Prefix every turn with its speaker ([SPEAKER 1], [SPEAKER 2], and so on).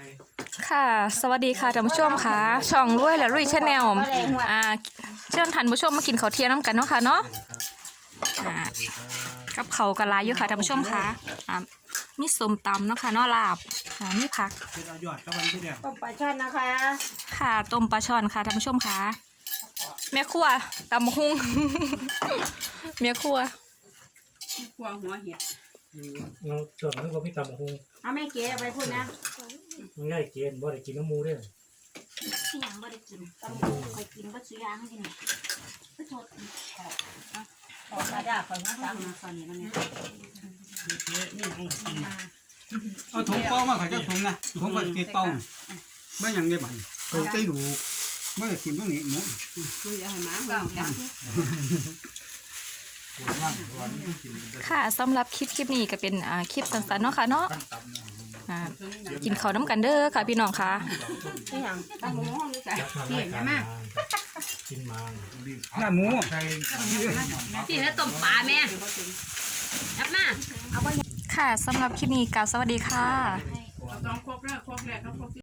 [SPEAKER 1] ค่ะสวัสดีค่ะท่านผู้ชมค่ะช่องรวยและรุ่ยชาแนลเชิญท่านผู้ชมมากินข้าวเที่ยงน้ำกันเนาะค่ะเนาะกับเขาวกะลาอยู่ค่ะท่านผู้ชมค่ะมีส้มตำเนาะค่ะเนาะลาบมีผัก
[SPEAKER 2] ยอดกับวันที่เดียว
[SPEAKER 3] ต้มปลาช่อนนะคะ
[SPEAKER 1] ค่ะต้มปลาช่อนค่ะท่านผู้ชมค่ะแม่ครัวตำหุ้ง แม่ครัว
[SPEAKER 3] กวางหัวเห็ด
[SPEAKER 2] เราส่วนนั้นก็พี่ตำคง
[SPEAKER 3] เอาไม่เก๋เอาไปพูดนะ
[SPEAKER 2] มันง่ายเกินบ่ได้กินน้ำมูด้วย
[SPEAKER 3] ที่ยังไม่ได้กินต้องคอยกินก็ซื้อยาให้กินก็โทษขอมาได้ขอมาสั่งมาตอนนี้มันเนี่ย
[SPEAKER 4] เอาถุงเป้ามาขายเจ้าถุงนะถุงก็ติดเป้าไม่ยังได้บันเขาใจดูไม่ได้กินตรงนี้หมู
[SPEAKER 3] คืออย่าให้หมาเห่าจัง
[SPEAKER 1] ค่ะสำหรับคลิปนี้ก็เป็นคลิปสั้นๆเนาะค่ะเนาะกินข้าวน้ำกันเด้อค่ะพี่น้องค่ะ
[SPEAKER 3] ที่ยังตั้งหัวห้องนี่จ้ะ
[SPEAKER 2] เห็นไหมกินมา
[SPEAKER 4] หน้าหมู
[SPEAKER 3] ที่ให้ต้มปลาแม่ยับมาเอาไป
[SPEAKER 1] ค่ะสำหรับคลิปนี้กล่าวสวัสดีค่ะ
[SPEAKER 3] ต้องครบแล้วครบแล้ว